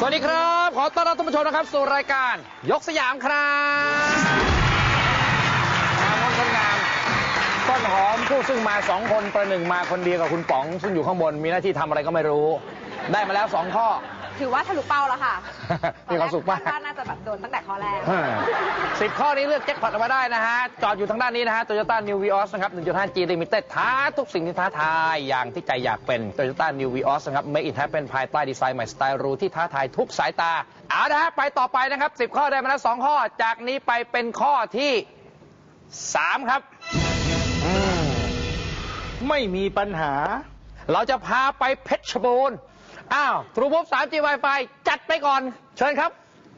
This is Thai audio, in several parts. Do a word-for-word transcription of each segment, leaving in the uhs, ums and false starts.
สวัสดีครับขอต้อนรับท่านผู้ชมนะครับสู่รายการยกสยามครับงามคนงามต้นหอมผู้ซึ่งมาสองคนประหนึ่งมาคนเดียวกับคุณป๋องซึ่งอยู่ข้างบนมีหน้าที่ทำอะไรก็ไม่รู้ได้มาแล้วสองข้อถือว่าทะลุเป้าแล้วค่ะมีความสุขมากว่าน่าจะแบบโดนตั้งแต่ข้อแรกสิบข้อนี้เลือกแจ็คพอตออกมาได้นะฮะจอดอยู่ทางด้านนี้นะฮะ Toyota New Vios นะครับ หนึ่งจุดห้า จี Limited ท้าทุกสิ่งที่ท้าทายอย่างที่ใจอยากเป็น Toyota New Vios นะครับ Make it happen ภายใต้ดีไซน์ใหม่สไตล์หรูที่ท้าทายทุกสายตาเอาละฮะไปต่อไปนะครับสิบข้อได้มาแล้วสองข้อจากนี้ไปเป็นข้อที่สามครับไม่มีปัญหาเราจะพาไปเพชรบูรณ์อ้าวทรูบุ๊บ ทรีจี Wi-Fi จัดไปก่อนเชิญครับ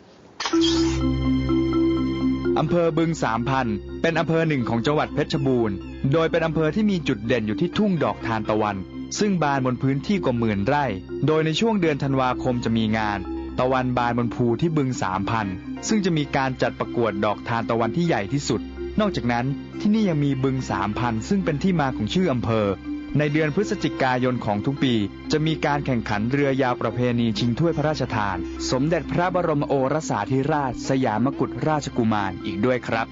อำเภอบึงสามพันธุ์เป็นอำเภอหนึ่งของจังหวัดเพชรบูรณ์โดยเป็นอำเภอที่มีจุดเด่นอยู่ที่ทุ่งดอกทานตะวันซึ่งบานบนพื้นที่กว่าหมื่นไร่โดยในช่วงเดือนธันวาคมจะมีงานตะวันบานบนภูที่บึงสามพันธุ์ซึ่งจะมีการจัดประกวดดอกทานตะวันที่ใหญ่ที่สุดนอกจากนั้นที่นี่ยังมีบึงสามพันธุ์ซึ่งเป็นที่มาของชื่ออำเภอในเดือนพฤศจิกายนของทุกปีจะมีการแข่งขันเรือยาวประเพณีชิงถ้วยพระราชทานสมเด็จพระบรมโอรสาธิราชสยามกุฎราชกุมารอีกด้วยครับ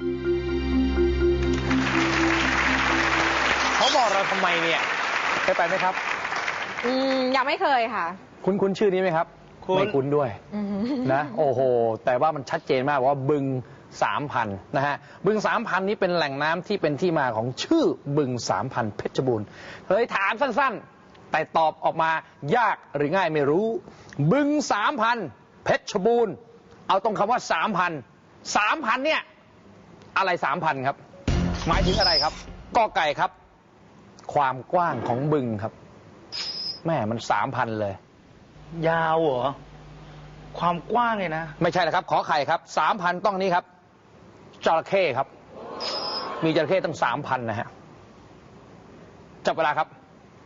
เขาบอกเราทำไมเนี่ยเคยไปไหมครับอืมยังไม่เคยค่ะคุ้นคุ้นชื่อนี้ไหมครับไม่คุ้นด้วยนะโอ้โหแต่ว่ามันชัดเจนมากว่าบึงสามพันนะฮะบึงสามพันนี้เป็นแหล่งน้ำที่เป็นที่มาของชื่อบึงสามพันเพชรบูรณ์เฮ้ยถามสั้นๆแต่ตอบออกมายากหรือง่ายไม่รู้บึงสามพันเพชรบูรณ์เอาตรงคำว่าสามพันสามพันเนี่ยอะไรสามพันครับหมายถึงอะไรครับกอไก่ครับความกว้างของบึงครับแม่มันสามพันเลยยาวเหรอความกว้างเลยนะไม่ใช่นะครับขอไข่ครับสามพันต้องนี้ครับจระเข้ครับมีจระเข้ตั้งสามพันนะฮะจับเวลาครับ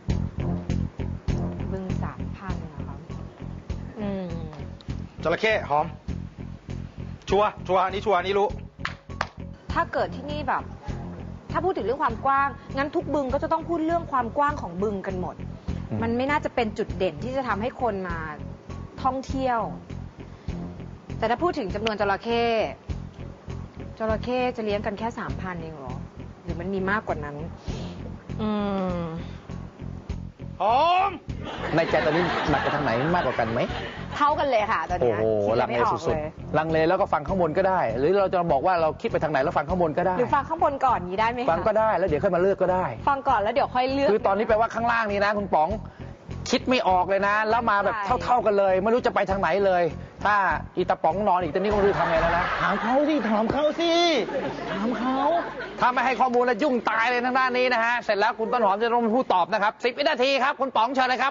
บึงสามพันนะครับอืมจระเข้หอมชัวชัวอันนี้ชัวอันนี้รู้ถ้าเกิดที่นี่แบบถ้าพูดถึงเรื่องความกว้างงั้นทุกบึงก็จะต้องพูดเรื่องความกว้างของบึงกันหมดมันไม่น่าจะเป็นจุดเด่นที่จะทำให้คนมาท่องเที่ยวแต่ถ้าพูดถึงจำนวนจระเข้จระเข้จะเลี้ยงกันแค่สามพันเองเหรอหรือมันมีมากกว่านั้นอืมหอมในใจตอนนี้หนักไปทางไหนมากกว่ากันไหมเท่ากันเลยค่ะตอนนี้โอ้โหลังเลสุดๆลังเลแล้วก็ฟังข้างบนก็ได้หรือเราจะบอกว่าเราคิดไปทางไหนแล้วฟังข้างบนก็ได้หรือฟังข้างบนก่อนนี้ได้ไหมคะฟังก็ได้แล้วเดี๋ยวค่อยมาเลือกก็ได้ฟังก่อนแล้วเดี๋ยวค่อยเลือกคือตอนนี้แปลว่าข้างล่างนี้นะคุณป๋องคิดไม่ออกเลยนะแล้วมาแบบเท่าๆกันเลยไม่รู้จะไปทางไหนเลยถ้าอีตาป๋องนอนอีกตอนนี้ก็ไม่รู้ทำไงแล้วนะถามเขาสิถามเขาสิถามเขาถ้าไม่ให้ข้อมูลแล้วยุ่งตายเลยทางด้านนี้นะฮะเสร็จแล้วคุณต้นหอมจะต้องเป็นผู้ตอบนะครับสิบวินาทีครับคุณป๋องเชิญเลยครับ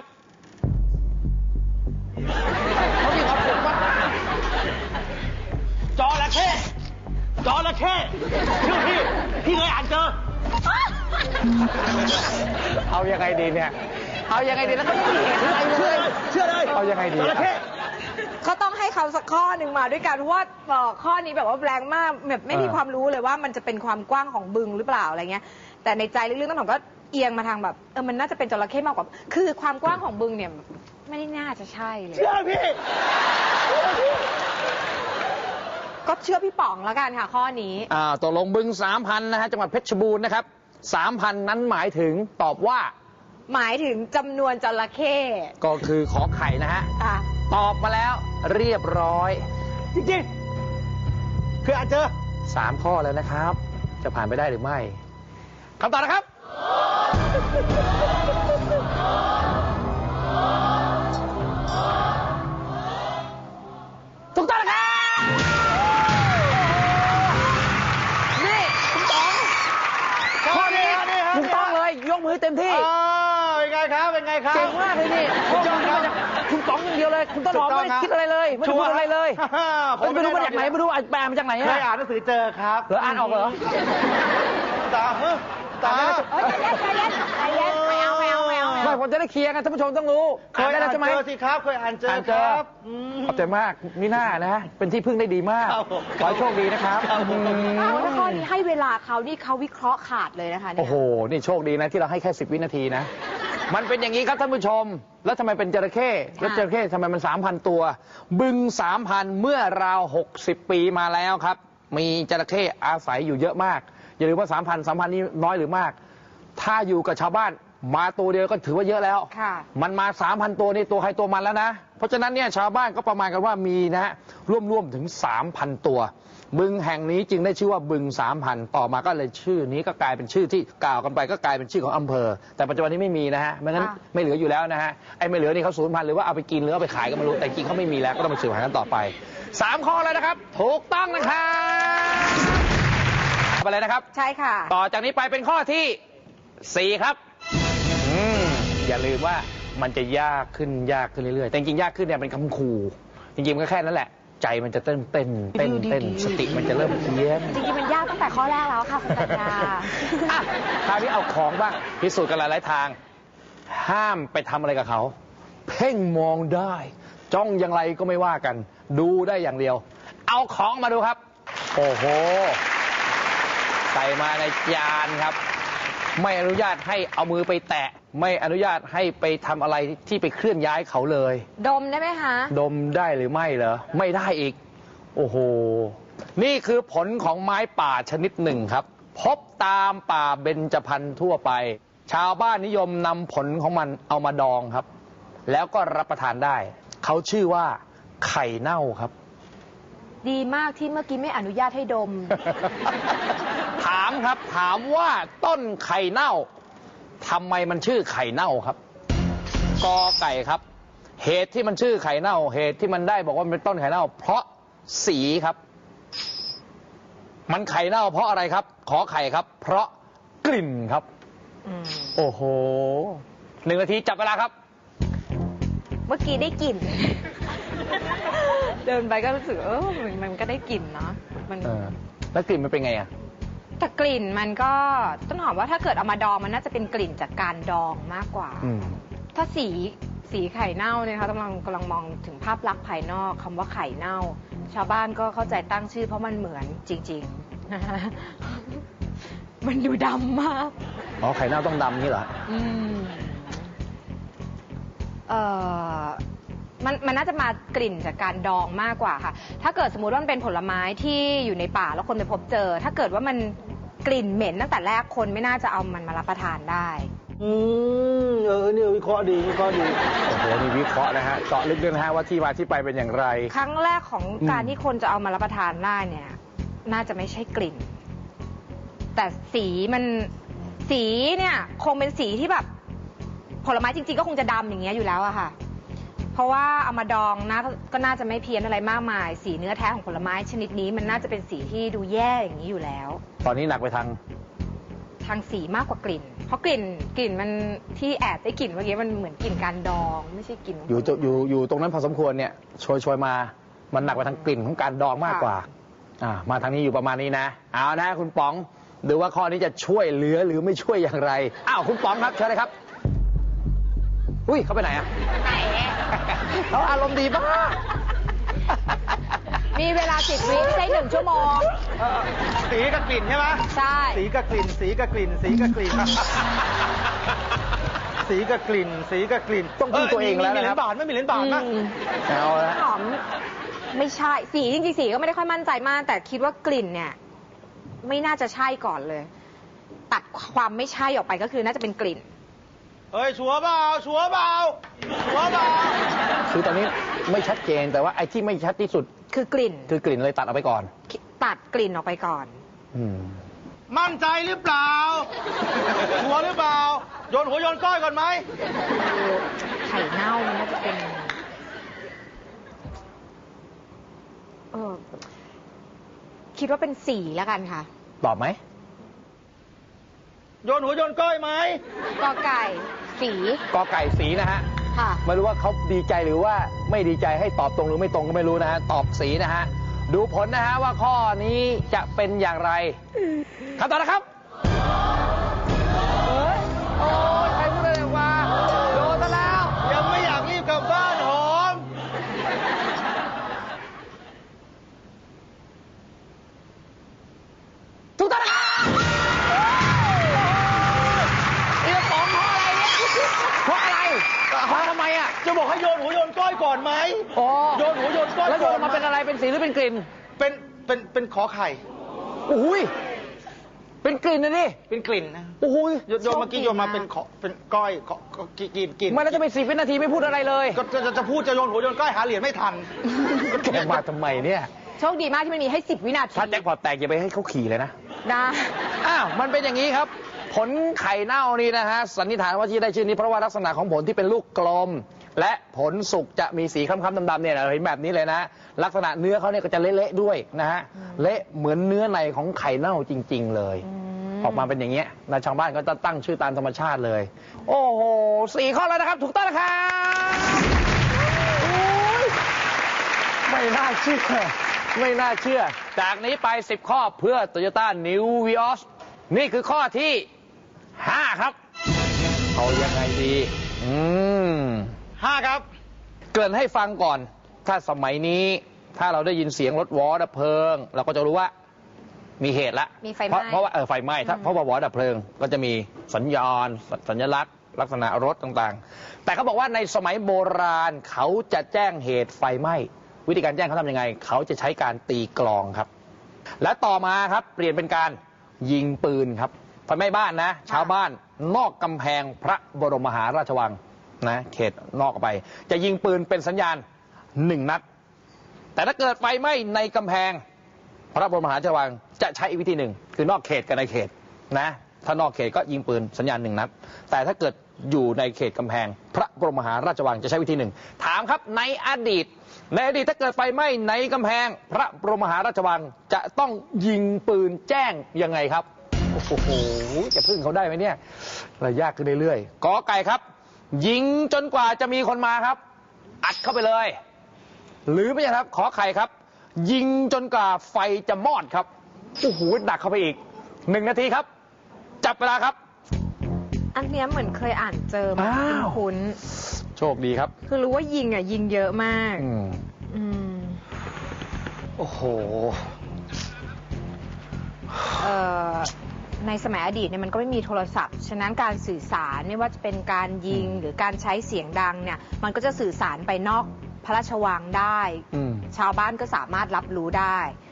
เขามีความสุขมากจระเข้จระเข้ชื่อพี่พี่เคยอ่านเจอเอายังไงดีเนี่ยเอายังไงดีแล้วก็เชื่อเลยเชื่อเลยเอายังไงดีเขาต้องให้เขาสักข้อหนึ่งมาด้วยกันเพราะว่าข้อนี้แบบว่าแรงมากแบบไม่มีความรู้เลยว่ามันจะเป็นความกว้างของบึงหรือเปล่าอะไรเงี้ยแต่ในใจลึกๆต้นหอมก็เอียงมาทางแบบเออมันน่าจะเป็นจระเข้มากกว่าคือความกว้างของบึงเนี่ยไม่ได้น่าจะใช่เลยเชื่อพี่ก็เชื่อพี่ป๋องแล้วกันค่ะข้อนี้อ่าตกลงบึงสามพันนะฮะจังหวัดเพชรบูรณ์นะครับสามพันนั้นหมายถึงตอบว่าหมายถึงจำนวนจระเข้ก็คือขอไข่นะฮะตอบมาแล้วเรียบร้อยจริงๆคืออาจเจอสามข้อแล้วนะครับจะผ่านไปได้หรือไม่คำตอบนะครับถูกต้องนะครับนี่คุณป๋องข้อนี้ถูกต้องเลยยกมือเต็มที่เป็นไงครับเป็นไงครับเก่งมากเลยนี่ยอดครับคุณป๋องอย่างเดียวเลยคุณต้นหอมไม่ได้คิดอะไรเลยไม่ได้พูดอะไรเลยไม่รู้มาจากไหนไม่รู้แปลมาจากไหนเคยอ่านหนังสือเจอครับเหรออ่านออกเหรอตาตาใจเย็นใจเย็นไม่เอาไม่เอาไม่เอาไม่ผมจะได้เคลียร์กันท่านผู้ชมต้องรู้เคยอ่านเจอสิครับเคยอ่านเจอครับขอบใจมากนี่น่านะเป็นที่พึ่งได้ดีมากขอให้โชคดีนะครับถ้าข้อนี้ให้เวลาเขานี่เขาวิเคราะห์ขาดเลยนะคะโอ้โหนี่โชคดีนะที่เราให้แค่สิบวินาทีนะมันเป็นอย่างนี้ครับท่านผู้ชม แล้วทำไมเป็นจระเข้แล้วจระเข้ทำไมมันสามพันตัว บึงสามพันเมื่อราวหกสิบปีมาแล้วครับ มีจระเข้อาศัยอยู่เยอะมากอย่าลืมว่าสามพันสามพันนี้น้อยหรือมากถ้าอยู่กับชาวบ้านมาตัวเดียวก็ถือว่าเยอะแล้วมันมาสามพันตัวนี่ตัวใครตัวมันแล้วนะเพราะฉะนั้นเนี่ยชาวบ้านก็ประมาณกันว่ามีนะฮะร่วมๆถึงสามพันตัวบึงแห่งนี้จึงได้ชื่อว่าบึงสามพันต่อมาก็เลยชื่อนี้ก็กลายเป็นชื่อที่กล่าวกันไปก็กลายเป็นชื่อของอำเภอแต่ปัจจุบันนี้ไม่มีนะฮะไม่งั้นไม่เหลืออยู่แล้วนะฮะไอ้ไม่เหลือนี่เขาสูญพันธุ์หรือว่าเอาไปกินหรือเอาไปขายก็ไม่รู้แต่จริงเขาไม่มีแล้วก็ต้องมาสืบหากันต่อไปสามข้อเลยนะครับถูกต้องนะครับไปเลยนะครับใช่ค่ะต่อจากนี้ไปเป็นข้อที่สี่ครับอืมอย่าลืมว่ามันจะยากขึ้นยากขึ้นเรื่อยๆแต่จริงๆยากขึ้นเนี่ยเป็นคำขู่จริงๆมันก็แค่นั้นแหละใจมันจะเต้นเต้นเต้นเต้นสติมันจะเริ่มเพี้ยนจริงๆมันยากตั้งแต่ข้อแรกแล้วค่ะคุณปัญญาคราวนี้เอาของบ้างพิสูจน์กันหลายๆทางห้ามไปทำอะไรกับเขาเพ่งมองได้จ้องอย่างไรก็ไม่ว่ากันดูได้อย่างเดียวเอาของมาดูครับโอ้โหใส่มาในจานครับไม่อนุญาตให้เอามือไปแตะไม่อนุญาตให้ไปทำอะไรที่ไปเคลื่อนย้ายเขาเลยดมได้ไหมคะดมได้หรือไม่เหรอไม่ได้อีกโอ้โหนี่คือผลของไม้ป่าชนิดหนึ่งครับพบตามป่าเบญจพรรณทั่วไปชาวบ้านนิยมนำผลของมันเอามาดองครับแล้วก็รับประทานได้เขาชื่อว่าไข่เน่าครับดีมากที่เมื่อกี้ไม่อนุญาตให้ดมถามครับถามว่าต้นไข่เน่าทำไมมันชื่อไข่เน่าครับกอไก่ครับเหตุที่มันชื่อไข่เน่าเหตุที่มันได้บอกว่ามันเป็นต้นไข่เน่าเพราะสีครับมันไข่เน่าเพราะอะไรครับขอไข่ครับเพราะกลิ่นครับโอ้โหหนึ่งนาทีจับเวลาครับเมื่อกี้ได้กลิ่น เดินไปก็รู้สึกเออมันก็ได้กลิ่นเนาะมันแล้วกลิ่นมันเป็นไงอะแต่กลิ่นมันก็ต้นหอมว่าถ้าเกิดเอามาดองมันน่าจะเป็นกลิ่นจากการดองมากกว่าถ้าสีสีไข่เน่าเนี่ยค่ะกำลังกำลังมองถึงภาพลักษณ์ภายนอกคำว่าไข่เน่าชาวบ้านก็เข้าใจตั้งชื่อเพราะมันเหมือนจริงๆนะมันดูดำมากอ๋อไข่เน่าต้องดำนี่เหรออืมเอ่อมันมันน่าจะมากลิ่นจากการดองมากกว่าค่ะถ้าเกิดสมมุติว่ามันเป็นผลไม้ที่อยู่ในป่าแล้วคนไปพบเจอถ้าเกิดว่ามันกลิ่นเหม็นตั้งแต่แรกคนไม่น่าจะเอามันมารับประทานได้อืมเออเนี่ยวิเคราะห์ดีวิเคราะห์ดีโอ้โหนี่วิเคราะห์นะฮะเจาะลึกด้วยนะฮะว่าที่มาที่ไปเป็นอย่างไรครั้งแรกของการที่คนจะเอามารับประทานได้เนี่ยน่าจะไม่ใช่กลิ่นแต่สีมันสีเนี่ยคงเป็นสีที่แบบผลไม้จริงๆก็คงจะดำอย่างเงี้ยอยู่แล้วอะค่ะเพราะว่าเอามาดองนะก็น่าจะไม่เพี้ยนอะไรมากมายสีเนื้อแท้ของผลไม้ชนิดนี้มันน่าจะเป็นสีที่ดูแย่อย่างนี้อยู่แล้วตอนนี้หนักไปทางทางสีมากกว่ากลิ่นเพราะกลิ่นกลิ่นมันที่แอบได้กลิ่นเมื่อกี้มันเหมือนกลิ่นการดองไม่ใช่กลิ่นอยู่อยู่อยู่ตรงนั้นพอสมควรเนี่ยโชยโชยมามันหนักไปทางกลิ่นของการดองมากกว่าอ่ามาทางนี้อยู่ประมาณนี้นะเอานะคุณป๋องดูว่าข้อนี้จะช่วยเหลือหรือไม่ช่วยอย่างไรอ้าวคุณป๋องครับเชิญเลยครับอุ้ยเขาไปไหนอ่ะเขาอารมณ์ดีมากมีเวลาสิบวิไม่ใช่หนึ่งชั่วโมงสีกับกลิ่นใช่ไหมใช่สีกับกลิ่นสีกับกลิ่นสีกับกลิ่นสีกับกลิ่นสีกับกลิ่นต้องพึ่งตัวเองแล้วนะครับบาทไม่มีเหรียญบาทนะเอาละหอมไม่ใช่สีจริงๆสีก็ไม่ได้ค่อยมั่นใจมากแต่คิดว่ากลิ่นเนี่ยไม่น่าจะใช่ก่อนเลยตัดความไม่ใช่ออกไปก็คือน่าจะเป็นกลิ่นเฮ้ยชัวร์เปล่าชัวร์เปล่าชัวร์เปล่าคือตอนนี้ไม่ชัดเจนแต่ว่าไอ้ที่ไม่ชัดที่สุดคือกลิ่นคือกลิ่นเลยตัดออกไปก่อนตัดกลิ่นออกไปก่อนอืมมั่นใจหรือเปล่าชัวร์หรือเปล่าโยนหัวโยนก้อยก่อนไหมไข่เน่ามันน่าจะเป็นเออคิดว่าเป็นสีแล้วกันค่ะตอบไหมโยนหัวโยนก้อยไหมกอไก่สีกอไก่สีนะฮะค่ะไม่รู้ว่าเขาดีใจหรือว่าไม่ดีใจให้ตอบตรงหรือไม่ตรงก็ไม่รู้นะฮะตอบสีนะฮะดูผลนะฮะว่าข้อนี้จะเป็นอย่างไรคำตอบนะครับเฮ้ยโอ้ยใครพูดอะไรมาโดนซะแล้วยังไม่อยากรีบกลับบ้านหอมถูกต้องนะครับอยก่อนไหมอ๋อโยนหัวโยนก้อยแล้วโยนก่มาเป็นอะไรเป็นสีหรือเป็นกลิ่นเป็นเป็นเป็นขอไข่อุ้ยเป็นกลิ่นนะนี่เป็นกลิ่นนะโอ้ยโยนโยนเมื่อกี้โยนมาเป็นขอเป็นก้อยขอขอกินกินกินมันแล้วจะเป็นสิบวินาทีไม่พูดอะไรเลยก็จะจะจะพูดจะโยนหัวโยนก้อยหาเหรียญไม่ทันแกมาทำไมเนี่ยโชคดีมากที่มันมีให้สิบวินาทีถ้าแจ็คพอตแตกอย่าไปให้เขาขี่เลยนะนะอ้าว มันเป็นอย่างนี้ครับ ผลไข่เน่านี่นะฮะ สันนิษฐานว่าที่ได้ชื่อนี้เพราะว่าลักษณะของผลที่เป็นลูกกลม และผลสุกจะมีสีคล้ำๆดำๆเนี่ยเราเห็นแบบนี้เลยนะ ลักษณะเนื้อเขาเนี่ยก็จะเละๆด้วยนะฮะ เละเหมือนเนื้อในของไข่เน่าจริง ๆ เลย ออกมาเป็นอย่างเงี้ยนะชาวบ้านก็จะตั้งชื่อตามธรรมชาติเลย โอ้โหสี่ข้อแล้วนะครับ ถูกต้องนะครับโอ้ยไม่น่าเชื่อ ไม่น่าเชื่อ จากนี้ไปสิบข้อเพื่อ Toyota New Vios นี่คือข้อที่ห้าครับ เอายังไงดี อืมห้าครับเกริ่นให้ฟังก่อน ถ้าสมัยนี้ถ้าเราได้ยินเสียงรถวอดับเพลิง เราก็จะรู้ว่ามีเหตุละมีไฟไหเพม้ราะเพราะว่าเออไฟไหม้ถ้าเพราะว่าวอดับเพลิง ก็จะมีสัญญาณสัญลักษณ์ ลักษณะรถต่างๆ แต่เขาบอกว่าในสมัยโบราณเขาจะแจ้งเหตุไฟไหม้วิธีการแจ้งเขาทำยังไง เขาจะใช้การตีกลองครับ และต่อมาครับเปลี่ยนเป็นการยิงปืนครับไฟไหม้บ้านนะ ชาวบ้านนอกกำแพงพระบรมมหาราชวังนะเขตนอกออกไป จะยิงปืนเป็นสัญญาณหนึ่งนัด แต่ถ้าเกิดไฟไหม้ในกำแพงพระบรมมหาราชวังจะใช้อีกวิธีหนึ่งคือนอกเขตกับในเขตนะถ้านอกเขตก็ยิงปืนสัญญาณหนึ่งนัด แต่ถ้าเกิดอยู่ในเขตกำแพงพระบรมมหาราชวังจะใช้วิธีหนึ่งถามครับในอดีตในอดีตถ้าเกิดไฟไหม้ในกำแพงพระบรมมหาราชวังจะต้องยิงปืนแจ้งยังไงครับโอ้โหจะพึ่งเขาได้ไหมเนี่ยระยากขึ้นเรื่อยๆกอไก่ครับยิงจนกว่าจะมีคนมาครับอัดเข้าไปเลยหรือไม่ใช่ครับขอไข่ครับยิงจนกว่าไฟจะมอดครับโอ้โหดักเข้าไปอีกหนึ่งนาทีครับจับเวลาครับอันเนี้ยเหมือนเคยอ่านเจอมาอ้าวคุ้นโชคดีครับๆคือรู้ว่ายิงอ่ะยิงเยอะมากอืมอืมโอ้โหเอ่อในสมัยอดีตเนี่ยมันก็ไม่มีโทรศัพท์ ฉะนั้นการสื่อสารไม่ว่าจะเป็นการยิงหรือการใช้เสียงดังเนี่ย มันก็จะสื่อสารไปนอกพระราชวังได้อืมชาวบ้านก็สามารถรับรู้ได้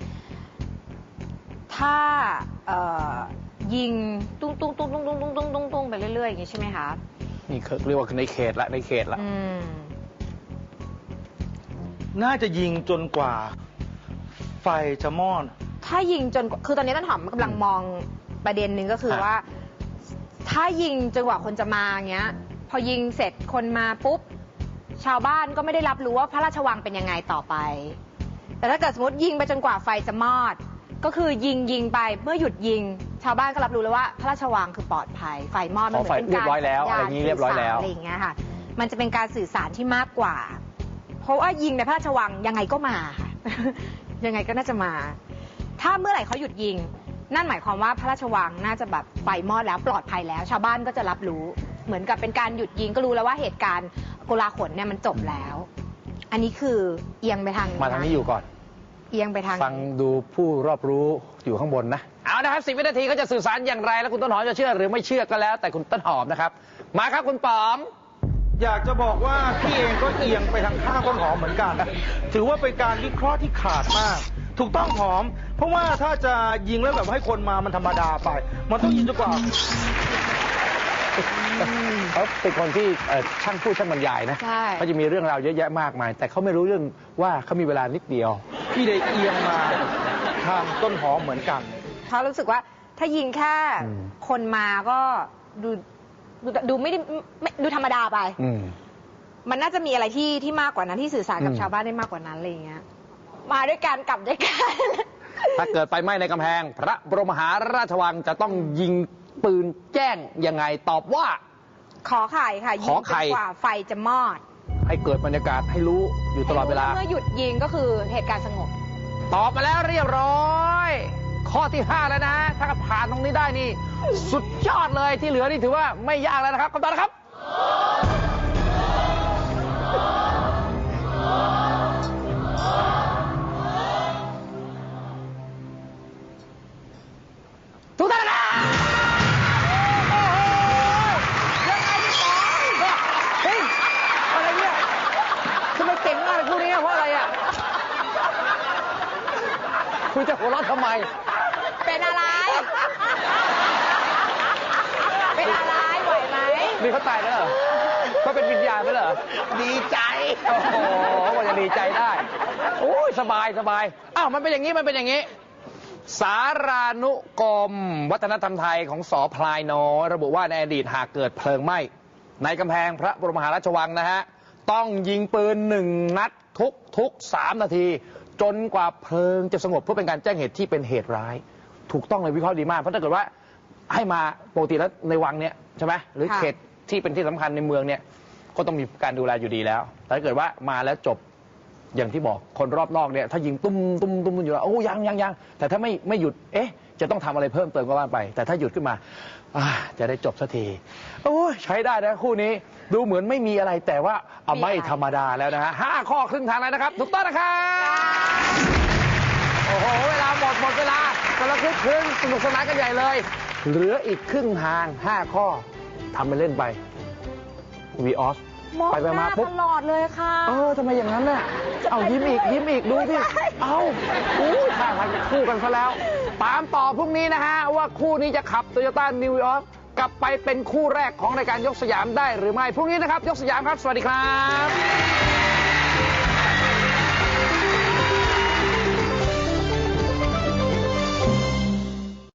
ถ้าเอ่อยิงตุ้งตุ้งตุ้งตุ้งตุ้งตุ้งตุ้งตุ้งตุ้งไปเรื่อยๆอย่างนี้ใช่ไหมคะนี่เขาเรียกว่าในเขตละในเขตละอืมน่าจะยิงจนกว่า ไฟจะมอดถ้ายิงจนคือตอนนี้ต้นหอมกำลังมองประเด็นหนึ่งก็คือฮะว่า ถ้ายิงจนกว่าคนจะมาอย่างเงี้ย พอยิงเสร็จคนมาปุ๊บ ชาวบ้านก็ไม่ได้รับรู้ว่าพระราชวังเป็นยังไงต่อไป แต่ถ้าเกิดสมมติยิงไปจนกว่าไฟจะมอด ก็คือยิงยิงไปเมื่อหยุดยิง ชาวบ้านก็รับรู้แล้วว่าพระราชวังคือปลอดภัย ไฟมอดมันเหมือนเป็นเรียการบร้อยแล้วสัญญาณอะไรอย่างนี้เรียบร้อยแล้วสื่สารอะไรอย่างเงี้ยค่ะ มันจะเป็นการสื่อสารที่มากกว่า เพราะว่ายิงในพระราชวังยังไงก็มาค่ะ ยังไงก็น่าจะมา ถ้าเมื่อไหร่เขาหยุดยิง นั่นหมายความว่าพระราชวังน่าจะแบบไฟมอดแล้วปลอดภัยแล้ว ชาวบ้านก็จะรับรู้ เหมือนกับเป็นการหยุดยิงก็รู้แล้วว่าเหตุการณ์โกลาหลเนี่ยมันจบแล้ว อันนี้คือเอียงไปทางมาทางนี้อยู่ก่อนเอียงไปทางฟังดูผู้รอบรู้อยู่ข้างบนนะ เอานะครับสิบวินาทีก็จะสื่อสารอย่างไร แล้วคุณต้นหอมจะเชื่อหรือไม่เชื่อก็แล้ว แต่คุณต้นหอมนะครับ มาครับคุณป๋อมอยากจะบอกว่าพี่เองก็เอียงไปทางข้างต้นหอมเหมือนกัน ถือว่าเป็นการวิเคราะห์ที่ขาดมาก ถูกต้องหอม เพราะว่าถ้าจะยิงแล้วแบบให้คนมามันธรรมดาไป มันต้องยิงจนกว่าเขาเป็นคนที่เอ่อช่างพูดช่างบรรยายนะใช่เขาจะมีเรื่องราวเยอะแยะมากมาย แต่เขาไม่รู้เรื่องว่าเขามีเวลานิดเดียวพี่ได้เอียงมาทางต้นหอมเหมือนกันเขารู้สึกว่าถ้ายิงแค่อืมคนมาก็ดูดูดูไม่ได้ไม่ดูธรรมดาไปอืมมันน่าจะมีอะไรที่ที่มากกว่านั้นที่สื่อสารกับอืมชาวบ้านได้มากกว่านั้นอะไรอย่างเงี้ย มาด้วยกันกลับด้วยกันถ้าเกิดไฟไหม้ในกำแพง พระบรมมหาราชวังจะต้องยิงปืนแจ้งยังไงตอบว่าขอไข่ค่ะยิของ ไข่จนกว่าไฟจะมอดให้เกิดบรรยากาศให้รู้อยู่ตลอดเวลาเมื่อหยุดยิงก็คือเหตุการณ์สงบตอบมาแล้วเรียบร้อย ข้อที่ห้าแล้วนะ ถ้าผ่านตรงนี้ได้นี่ สุดยอดเลยที่เหลือนี่ถือว่าไม่ยากแล้วนะครับคำตอบนะครับ ถูกต้องนะครับโอ้โหยังไงพี่ป๋องเฮ้ยอะไรเนี่ยทำไมนี่เขาตายแล้วเหรอเขาเป็นวิญญาณไปเหรอดีใจโอ้โหว่าจะดีใจได้โอ้ยสบายสบายอ้าวมันเป็นอย่างนี้มันเป็นอย่างนี้ สารานุกรมวัฒนธรรมไทยของสอพลายน้อยระบุว่าในอดีตหากเกิดเพลิงไหม้ในกำแพงพระบรมมหาราชวังนะฮะต้องยิงปืนหนึ่งนัดทุกทุกสามนาที จนกว่าเพลิงจะสงบเพื่อเป็นการแจ้งเหตุที่เป็นเหตุร้ายถูกต้องเลยวิเคราะห์ดีมากเพราะถ้าเกิดว่าให้มาปกติแล้วในวังเนี่ยใช่ไหมหรือเขตที่เป็นที่สำคัญในเมืองเนี่ยก็ต้องมีการดูแลอยู่ดีแล้วแต่ถ้าเกิดว่ามาแล้วจบอย่างที่บอกคนรอบนอกเนี่ยถ้ายิงตุ้มตุ้มตุ้มอยู่แล้วโอ้ยังยังยังแต่ถ้าไม่ไม่หยุดเอ๊ะจะต้องทำอะไรเพิ่มเติมก็ว่าไปแต่ถ้าหยุดขึ้นมาจะได้จบสักทีโอ้ยใช้ได้นะคู่นี้ดูเหมือนไม่มีอะไรแต่ว่าเอาไม่ธรรมดาแล้วนะฮะห้าข้อครึ่งทางแล้วนะครับถูกต้องนะครับโอ้โหเวลาหมดหมดเวลากำลังคึกคืนสนุกสนานกันใหญ่เลยเหลืออีกครึ่งทางห้าข้อทำไปเล่นไปวีออสไปไปมาปุ๊บตลอดเลยค่ะเออทำไมอย่างนั้นน่ะเอายิ้มอีกยิ้มอีกดูสิเอาอู้ท่าทางจะคู่กันซะแล้วตามต่อพรุ่งนี้นะฮะว่าคู่นี้จะขับ Toyota New Vios กลับไปเป็นคู่แรกของรายการยกสยามได้หรือไม่พรุ่งนี้นะครับยกสยามครับสวัสดีครับ